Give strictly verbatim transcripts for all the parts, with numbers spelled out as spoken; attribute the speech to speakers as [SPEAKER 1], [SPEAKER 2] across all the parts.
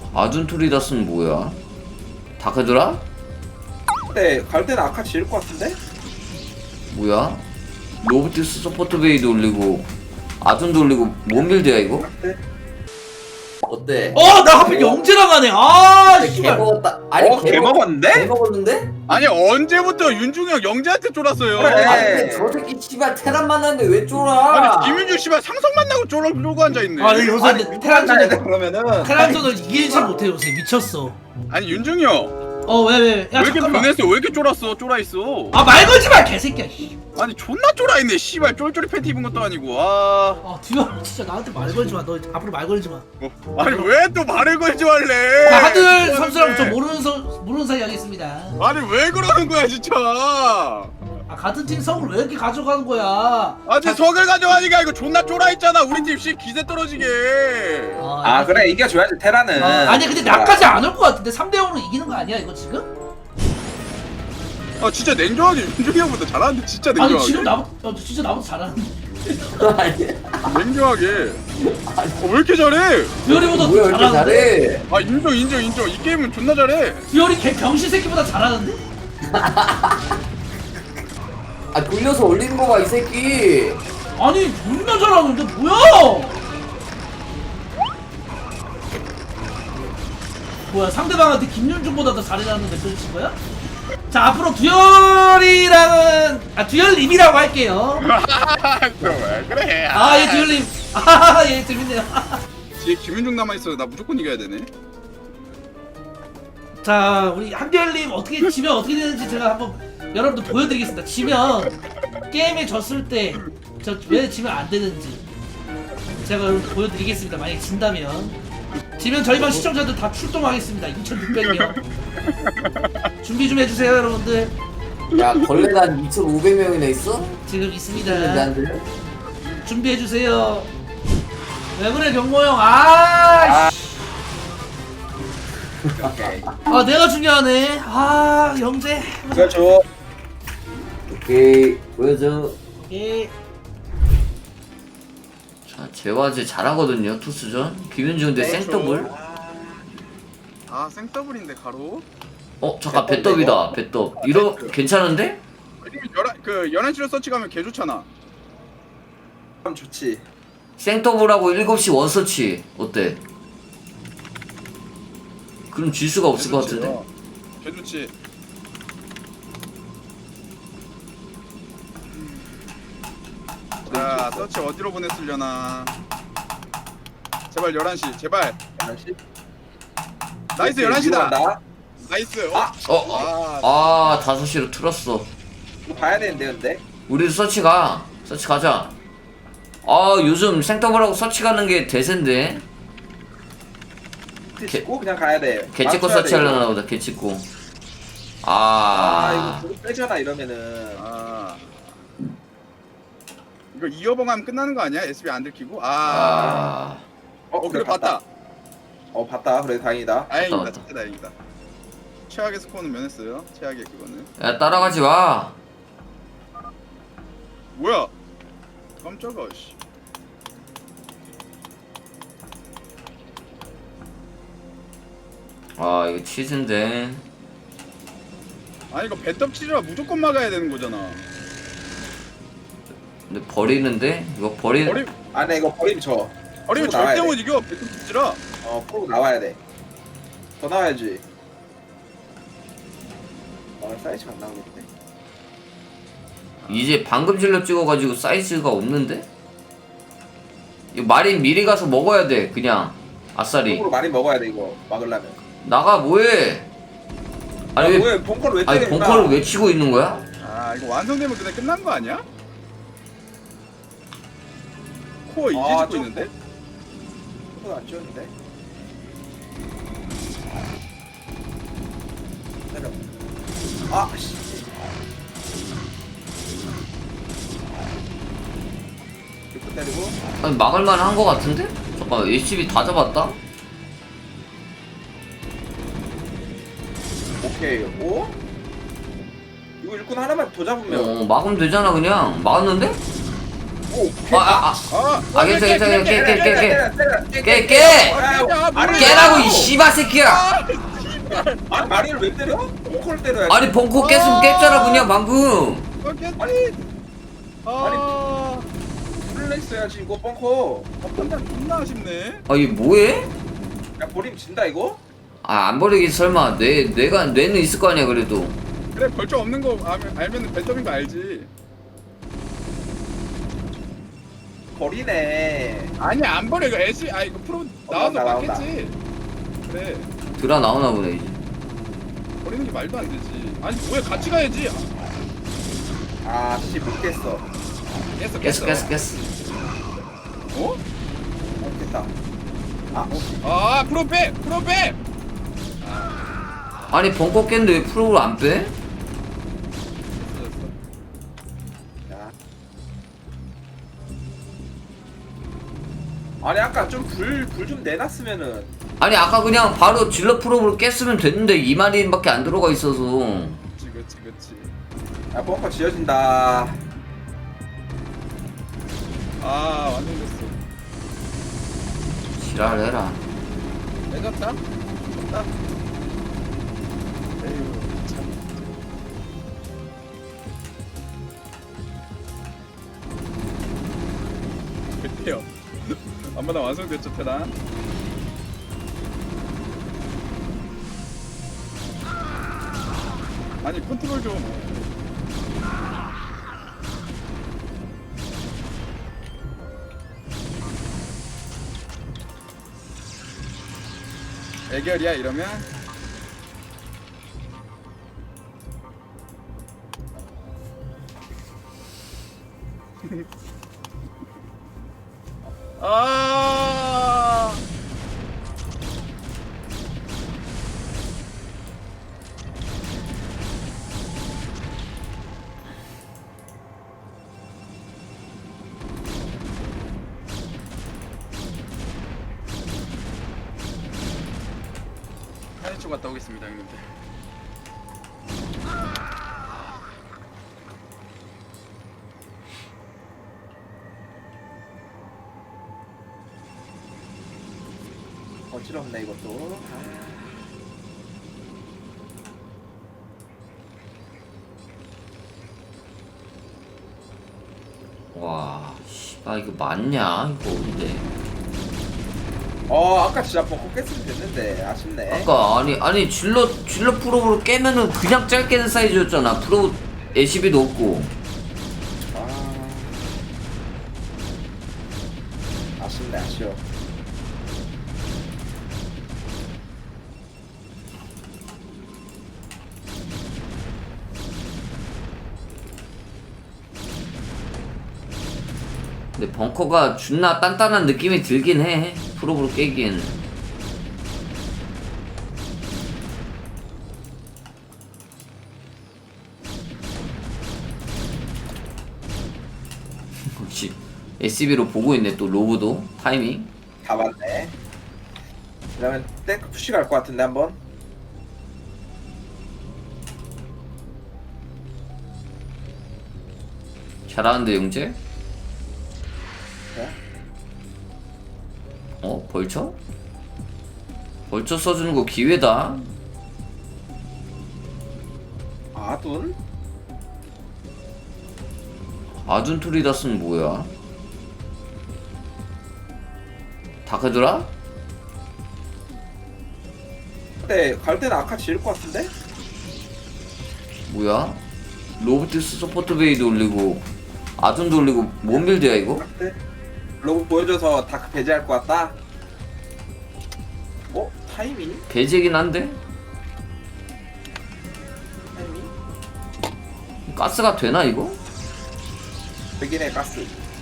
[SPEAKER 1] 아둔토리다스는 뭐야? 다크드라?
[SPEAKER 2] 근데 갈 때는 아카 지을 것 같은데?
[SPEAKER 1] 뭐야? 로보티스 서포트 베이도 올리고 아둔도 올리고 뭔 빌드야 이거? 어때?
[SPEAKER 3] 어, 나 하필 영재랑 하네. 아,
[SPEAKER 1] 개
[SPEAKER 3] 씨발.
[SPEAKER 1] 먹었다. 아니
[SPEAKER 2] 어, 개 먹었는데?
[SPEAKER 1] 개 먹었는데?
[SPEAKER 4] 아니 언제부터 윤중이 형 영재한테 쫄았어요?
[SPEAKER 2] 그래.
[SPEAKER 1] 아니 근데 저 새끼 씨발 테란 만났는데 왜 쫄아?
[SPEAKER 4] 아니 김윤중 씨발 상성 만나고 쫄아 쫄고 앉아있네.
[SPEAKER 3] 아, 근데 요새
[SPEAKER 2] 아니
[SPEAKER 3] 테란전을
[SPEAKER 2] 그러면은
[SPEAKER 3] 테란전을 이기지 못해 요새 미쳤어.
[SPEAKER 4] 아니 윤중이 형 왜
[SPEAKER 3] 어, 왜 왜? 야,
[SPEAKER 4] 이렇게
[SPEAKER 3] 잠깐만.
[SPEAKER 4] 변했어? 왜 이렇게 쫄았어? 쫄아있어.
[SPEAKER 3] 아, 말 걸지 마, 개새끼야. 씨.
[SPEAKER 4] 아니 존나 쫄아있네 씨발. 쫄쫄이 팬티 입은 것도 아니고. 아
[SPEAKER 3] 아, 듀얼 진짜 나한테 말 걸지 마. 너 앞으로 말 걸지 마.
[SPEAKER 4] 어. 아니 왜 또 말을 걸지 말래?
[SPEAKER 3] 자, 하들 선수랑 저 모르는 선 모르는 사이 하겠습니다.
[SPEAKER 4] 아니 왜 그러는 거야 진짜.
[SPEAKER 3] 아, 같은 팀 성을 왜 이렇게 가져가는 거야?
[SPEAKER 4] 아니 석을 가져가니까 이거 존나 쫄아있잖아. 우리 팀 씨 기세 떨어지게.
[SPEAKER 3] 어,
[SPEAKER 2] 아
[SPEAKER 3] 알겠어.
[SPEAKER 2] 그래 이겨줘야지 테라는.
[SPEAKER 3] 어, 아니 근데 나까지 안 올 것 같은데 삼 대 영으로 이기는 거 아니야 이거 지금?
[SPEAKER 4] 아 진짜 냉정하게 윤중이 형보다 잘하는데 진짜
[SPEAKER 3] 아니
[SPEAKER 4] 냉정하게.
[SPEAKER 3] 지금 나보다 어, 진짜 나보다 잘하는데
[SPEAKER 1] 아니
[SPEAKER 4] 냉정하게. 어, 왜 이렇게 잘해?
[SPEAKER 3] 듀얼이보다
[SPEAKER 1] 뭐야
[SPEAKER 3] 더
[SPEAKER 1] 이렇게
[SPEAKER 3] 잘하는데?
[SPEAKER 1] 잘해?
[SPEAKER 4] 아 인정 인정 인정. 이 게임은 존나 잘해.
[SPEAKER 3] 듀얼이 개 병신 새끼보다 잘하는데?
[SPEAKER 1] 아 돌려서 올리는 거 봐 이 새끼.
[SPEAKER 3] 아니 존나 잘하는데 뭐야? 뭐야 상대방한테 김윤중보다 더 잘해놨는데 그러신 거야? 자 앞으로 듀얼이랑은 아 듀얼님이라고 할게요.
[SPEAKER 4] 왜 그래?
[SPEAKER 3] 아예 듀얼님 아예 재밌네요.
[SPEAKER 4] 뒤에 김윤중 남아 있어. 나 무조건 이겨야 되네.
[SPEAKER 3] 자 우리 한결님 어떻게 지면 어떻게 되는지 제가 한번 여러분들 보여드리겠습니다. 지면 게임에 졌을 때 저 왜 지면 안 되는지 제가 여러분들 보여드리겠습니다. 만약에 진다면 지면 저희 방 시청자들 다 출동하겠습니다. 이천육백 명 준비 좀 해주세요 여러분들.
[SPEAKER 1] 야 걸레가 한 이천오백 명이나 있어?
[SPEAKER 3] 지금
[SPEAKER 1] 근데
[SPEAKER 3] 있습니다.
[SPEAKER 1] 안 들려?
[SPEAKER 3] 준비해주세요. 왜 그래 경모 형? 아, 씨.
[SPEAKER 2] 오케이.
[SPEAKER 3] 아 내가 중요하네. 아 영재.
[SPEAKER 2] 그렇죠.
[SPEAKER 1] 오케이 보여줘.
[SPEAKER 3] 예.
[SPEAKER 1] 자 재화제 잘하거든요 투수전. 김윤중 대
[SPEAKER 2] 네,
[SPEAKER 1] 생더블.
[SPEAKER 4] 아 생더블인데 가로.
[SPEAKER 1] 어 잠깐 배떡이다 배떡. 이러 괜찮은데?
[SPEAKER 4] 아니면 열한 그 열한 시로 서치 가면 개 좋잖아.
[SPEAKER 2] 그럼 좋지.
[SPEAKER 1] 생더블하고 일곱 시 원서치 어때? 그럼 질 수가 없을 것 같은데.
[SPEAKER 4] 어, 개 좋지. 자 서치 어디로 보냈으려나. 제발 열한 시 제발.
[SPEAKER 2] 열한 시.
[SPEAKER 4] 나이스 열한 시다.
[SPEAKER 2] 나
[SPEAKER 4] 나이스.
[SPEAKER 2] 아!
[SPEAKER 4] 어?
[SPEAKER 1] 어, 어.
[SPEAKER 4] 아,
[SPEAKER 1] 아 다섯 시로 틀었어.
[SPEAKER 2] 이거 봐야 되는데 근데.
[SPEAKER 1] 우리도 서치 가. 서치 가자. 아 요즘 생더블하고 서치 가는 게 대세인데.
[SPEAKER 2] 찍고 그냥 가야 돼.
[SPEAKER 1] 개찍고
[SPEAKER 2] 맞춰야
[SPEAKER 1] 서치
[SPEAKER 2] 돼, 이거.
[SPEAKER 1] 하려나 보다 개찍고.
[SPEAKER 2] 아
[SPEAKER 1] 아,
[SPEAKER 2] 이거 그거 빼잖아 이러면은.
[SPEAKER 4] 아. 이거 이어봉 하면 끝나는 거 아니야? 에스비 안 들키고? 아.
[SPEAKER 1] 아,
[SPEAKER 4] 어 그래 봤다.
[SPEAKER 2] 어 봤다. 그래 다행이다.
[SPEAKER 4] 다행이다.
[SPEAKER 1] 맞다.
[SPEAKER 4] 진짜 다행이다. 최악의 스코어는 면했어요. 최악의 그거는.
[SPEAKER 1] 야 따라가지 마.
[SPEAKER 4] 뭐야? 깜짝아 씨.
[SPEAKER 1] 아 이거 치즈인데.
[SPEAKER 4] 아니 이거 배떡 치즈라 무조건 막아야 되는 거잖아.
[SPEAKER 1] 근데 버리는데 이거 버리.
[SPEAKER 4] 버리
[SPEAKER 2] 아 네 이거 버리면 져.
[SPEAKER 4] 버리면
[SPEAKER 2] 풀고 나와야
[SPEAKER 4] 절대
[SPEAKER 2] 돼.
[SPEAKER 4] 못 이겨. 배떡 치즈라.
[SPEAKER 2] 어 풀고 나와야 돼. 더 나와야지. 어 사이즈가 안 나오겠네.
[SPEAKER 1] 이제 방금 질러 찍어가지고 사이즈가 없는데? 이거 마린 미리 가서 먹어야 돼 그냥 아싸리.
[SPEAKER 2] 쪽으로 많이 먹어야 돼 이거 막으려면.
[SPEAKER 1] 나가 뭐해? 아니 왜?
[SPEAKER 2] 왜 벙커를 왜
[SPEAKER 1] 아니
[SPEAKER 2] 때리는
[SPEAKER 1] 벙커를 왜 치고 있는 거야?
[SPEAKER 4] 아 이거 완성되면 그냥 끝난 거 아니야? 코어 이제
[SPEAKER 2] 아,
[SPEAKER 4] 짓고
[SPEAKER 2] 좀-
[SPEAKER 4] 있는데?
[SPEAKER 2] 벙커를 안 지웠는데. 때려. 아 씨. 이렇게 때리고.
[SPEAKER 1] 아니 막을만 한 거 같은데? 잠깐 에이치비 다 잡았다?
[SPEAKER 2] 오케이. 오? 이거 일꾼 하나만 더 잡으면.
[SPEAKER 1] 어 막으면 되잖아 그냥. 막았는데?
[SPEAKER 2] 오,
[SPEAKER 1] 아아아
[SPEAKER 4] 아,
[SPEAKER 1] 아, 괜찮아, 괜찮아. 깨, 깨, 깨, 깨. 깨, 깨!
[SPEAKER 4] 야,
[SPEAKER 2] 아니,
[SPEAKER 1] 깨라고 이 씨발 새끼야.
[SPEAKER 2] 아, 마리를 왜 때려? 벙커를 때려야지.
[SPEAKER 1] 아니 벙커 깼으면 깼잖아 그냥 방금.
[SPEAKER 4] 어, 깼지.
[SPEAKER 2] 아니,
[SPEAKER 4] 아,
[SPEAKER 2] 플레이스 해야지 이거 벙커.
[SPEAKER 4] 아, 판단 존나 아쉽네.
[SPEAKER 1] 아 이게 뭐해?
[SPEAKER 2] 야, 버리면 진다 이거?
[SPEAKER 1] 아 안 버리기 설마 뇌 뇌가 뇌는 있을 거 아니야 그래도.
[SPEAKER 4] 그래, 벌점 없는 거 알면 알면은 벤더인 거 알지.
[SPEAKER 2] 버리네.
[SPEAKER 4] 아니 안 버려 이거 애쉬 아 이거 프로 나와서
[SPEAKER 2] 나온다, 나온다.
[SPEAKER 4] 맞겠지. 그래,
[SPEAKER 1] 드라 나오나 보네 이제.
[SPEAKER 4] 버리는 게 말도 안 되지. 아니 뭐야 같이 가야지.
[SPEAKER 2] 아, 씨, 못 깼어.
[SPEAKER 4] 깼어
[SPEAKER 1] 깼어 깼어 깼어.
[SPEAKER 4] 어?
[SPEAKER 2] 못 깼다. 아, 어.
[SPEAKER 4] 아 프로 빼 프로 빼.
[SPEAKER 1] 아니 벙커 깼는데 왜 프로를 안 빼?
[SPEAKER 2] 야. 아니, 아까 좀 불, 불 좀 내놨으면은.
[SPEAKER 1] 아니 아까 그냥 바로 질러 프로를 깼으면 됐는데 이 마리밖에 안 들어가 있어서.
[SPEAKER 4] 그치 그치 그치.
[SPEAKER 2] 야, 벙커 지어진다.
[SPEAKER 4] 아 완전 됐어.
[SPEAKER 1] 지랄해라.
[SPEAKER 4] 내졌다. 졌다. 에휴 참. 그때요. 안마다 완성됐죠 테란. 아니 컨트롤 좀. 애결이야 이러면. 아. 한시초 갔다 오겠습니다 형님들.
[SPEAKER 2] 어지럽네 이것도. 아.
[SPEAKER 1] 와, 씨발 이거 맞냐 이거 근데.
[SPEAKER 2] 어, 아까 진짜 벙커 깼으면 됐는데 아쉽네.
[SPEAKER 1] 아까 아니 아니 질러 질러 프로를 깨면은 그냥 짧게 된 사이즈였잖아. 프로 에시비도 없고.
[SPEAKER 2] 아, 아쉽네, 아쉬워.
[SPEAKER 1] 근데 벙커가 존나 단단한 느낌이 들긴 해. 프로브로 깨기에는. 혹시 에스비로 보고 있네 또 로브도 타이밍.
[SPEAKER 2] 다 맞네. 그러면 탱크 푸시 갈 것 같은데 한번.
[SPEAKER 1] 잘하는데 용재?
[SPEAKER 2] 네?
[SPEAKER 1] 어? 벌쳐? 벌쳐 써주는 거 기회다.
[SPEAKER 2] 아둔?
[SPEAKER 1] 아둔토리다스는 뭐야? 다크드라?
[SPEAKER 2] 근데 갈 때는 아카 지을 것 같은데?
[SPEAKER 1] 뭐야? 로보틱스 서포트 베이도 올리고 아둔도 올리고 뭔 빌드야 이거?
[SPEAKER 2] 네. 로고 보여줘서 다크 배제할 것 같다. 어? 타이밍?
[SPEAKER 1] 배제긴 한데?
[SPEAKER 2] 타이밍?
[SPEAKER 1] 가스가 되나 이거?
[SPEAKER 2] 백인의 가스.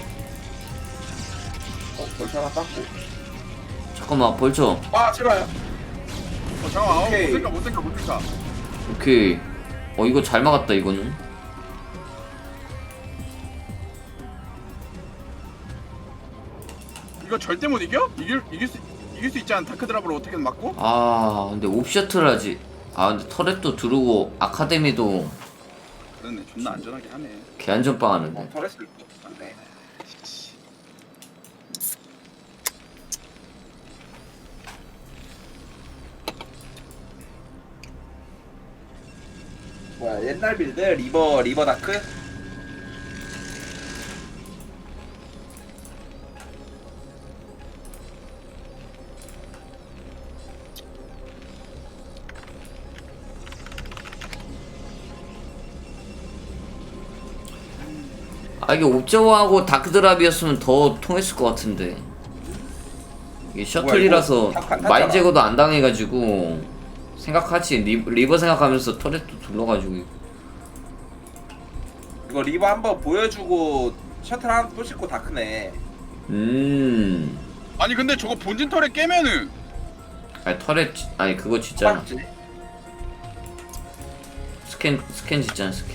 [SPEAKER 2] 어? 벌써 하나 땄고.
[SPEAKER 1] 잠깐만 벌쳐.
[SPEAKER 2] 아, 제발.
[SPEAKER 4] 어 잠깐만. 어,
[SPEAKER 2] 오케이.
[SPEAKER 4] 못 생각 못 생각 못 생각.
[SPEAKER 1] 오케이. 어 이거 잘 막았다 이거는.
[SPEAKER 4] 이거 절대 못 이겨? 이길 이길 수 이길 수 있지 않아? 다크 드랍으로 어떻게든 막고?
[SPEAKER 1] 아 근데 옵셔틀 하지. 아 근데 터렛도 두르고 아카데미도
[SPEAKER 4] 그러네. 존나 안전하게 하네.
[SPEAKER 1] 개안전빵
[SPEAKER 2] 어,
[SPEAKER 1] 하는데.
[SPEAKER 2] 터렛을 네. 뭐야 옛날 빌드 리버 리버 다크.
[SPEAKER 1] 아 이게 옵저버하고 다크드랍이었으면 더 통했을 것 같은데 이게 셔틀이라서
[SPEAKER 2] 뭐야, 이거 탑-
[SPEAKER 1] 마인
[SPEAKER 2] 탔잖아.
[SPEAKER 1] 제거도 안 당해가지고 생각하지 리, 리버 생각하면서 터렛도 둘러가지고
[SPEAKER 2] 이거 리버 한번 보여주고 셔틀 하나 또 싣고 다크네.
[SPEAKER 1] 음
[SPEAKER 4] 아니 근데 저거 본진 털에 깨면은
[SPEAKER 1] 아니 터렛 지- 아니 그거 진짜
[SPEAKER 2] 맞지?
[SPEAKER 1] 스캔 스캔 짓잖아 스캔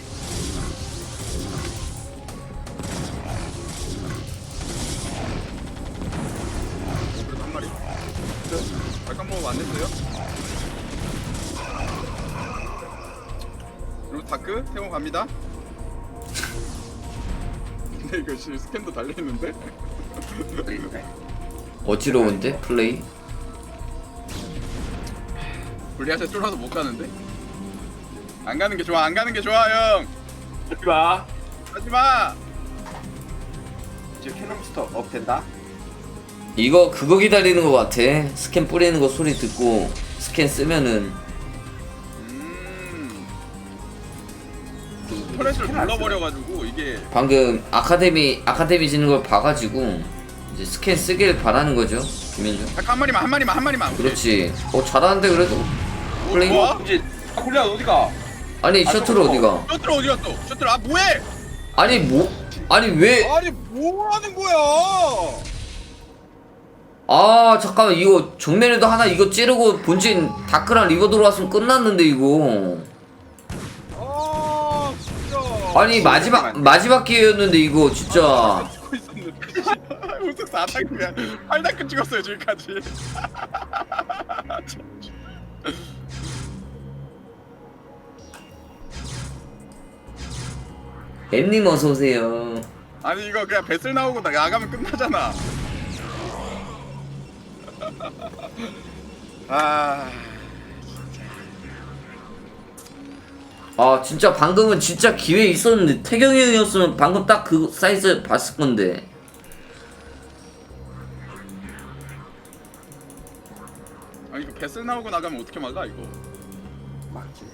[SPEAKER 4] 그래도 한 마리. 약간 뭐 안 됐어요? 그리고 다크 태워 갑니다. 근데 이거 씨 스캔도 달려 있는데.
[SPEAKER 1] 어지러운데 플레이
[SPEAKER 4] 불리하세 쫄아서 못 가는데. 안 가는 게 좋아. 안 가는 게 좋아 형.
[SPEAKER 2] 하지 마.
[SPEAKER 4] 하지 마.
[SPEAKER 2] 이제 캐논스터 업 된다.
[SPEAKER 1] 이거 그거 기다리는 것 같아 스캔 뿌리는 거 소리 듣고 스캔 쓰면은
[SPEAKER 4] 음. 터렛을 눌러버려가지고 이게
[SPEAKER 1] 방금 아카데미 아카데미 지는 걸 봐가지고 이제 스캔 쓰길 바라는 거죠 김현중
[SPEAKER 4] 딱 한 마리만 한 마리만 한 마리만.
[SPEAKER 1] 그렇지 어 잘하는데 그래도 플레이
[SPEAKER 4] 좋아?
[SPEAKER 2] 이제 아 굴리야 어디가?
[SPEAKER 1] 아니
[SPEAKER 2] 아,
[SPEAKER 1] 셔틀
[SPEAKER 2] 저거.
[SPEAKER 1] 어디가
[SPEAKER 4] 셔틀 어디 갔어? 셔틀 아 뭐해?
[SPEAKER 1] 아니 뭐 아니 왜
[SPEAKER 4] 아니 뭐 하는 거야?
[SPEAKER 1] 아 잠깐만 이거 정면에도 하나 이거 찌르고 본진 다크랑 리버 들어왔으면 끝났는데 이거
[SPEAKER 4] 아 진짜.
[SPEAKER 1] 아니 마지막 마지막 기회였는데 이거 진짜
[SPEAKER 4] 찍고 있었는데. 우승 사 단이야. 팔 단급 찍었어요 지금까지.
[SPEAKER 1] 엠님 어서 오세요
[SPEAKER 4] 아니 이거 그냥 배슬 나오고 나 나가면 끝나잖아. 아.
[SPEAKER 1] 아 진짜 방금은 진짜 기회 있었는데 태경이 형이었으면 방금 딱 그 사이즈 봤을 건데
[SPEAKER 4] 아니 이거 배슬 나오고 나가면 어떻게 막아 이거?
[SPEAKER 2] 맞지.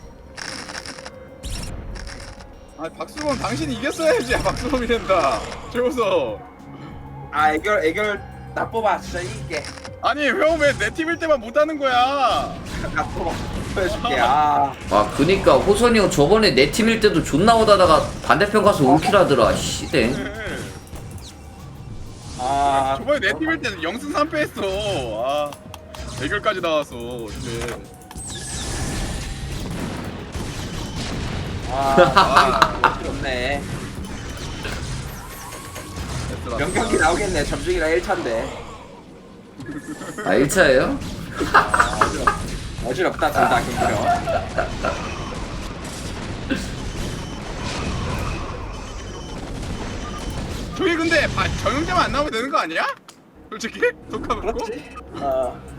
[SPEAKER 4] 아 박수범 당신이 이겼어야지. 박수범이 된다. 최우서.
[SPEAKER 2] 아 애결 애결 나 뽑아 진짜 이길게.
[SPEAKER 4] 아니 형 왜 내 팀일 때만 못하는 거야?
[SPEAKER 2] 나 뽑아 보여줄게. 아
[SPEAKER 1] 아 그니까 호선이 형 저번에 내 팀일 때도 존나 오다다가 반대편 가서 올킬 하더라 씨대
[SPEAKER 2] 아
[SPEAKER 4] 저번에 내 팀일 때는 영승 삼 패 했어. 아 대결까지 나왔어. 근데
[SPEAKER 2] 아 없네.
[SPEAKER 4] 됐더라.
[SPEAKER 2] 명경기 나오겠네. 점중이랑 일 차인데.
[SPEAKER 1] 아 일 차예요?
[SPEAKER 2] 어지럽다 둘 다 경기력.
[SPEAKER 4] 저기 근데 바, 정영재만 안 나오면 되는 거 아니야? 솔직히 독하고.
[SPEAKER 2] 그렇지. 어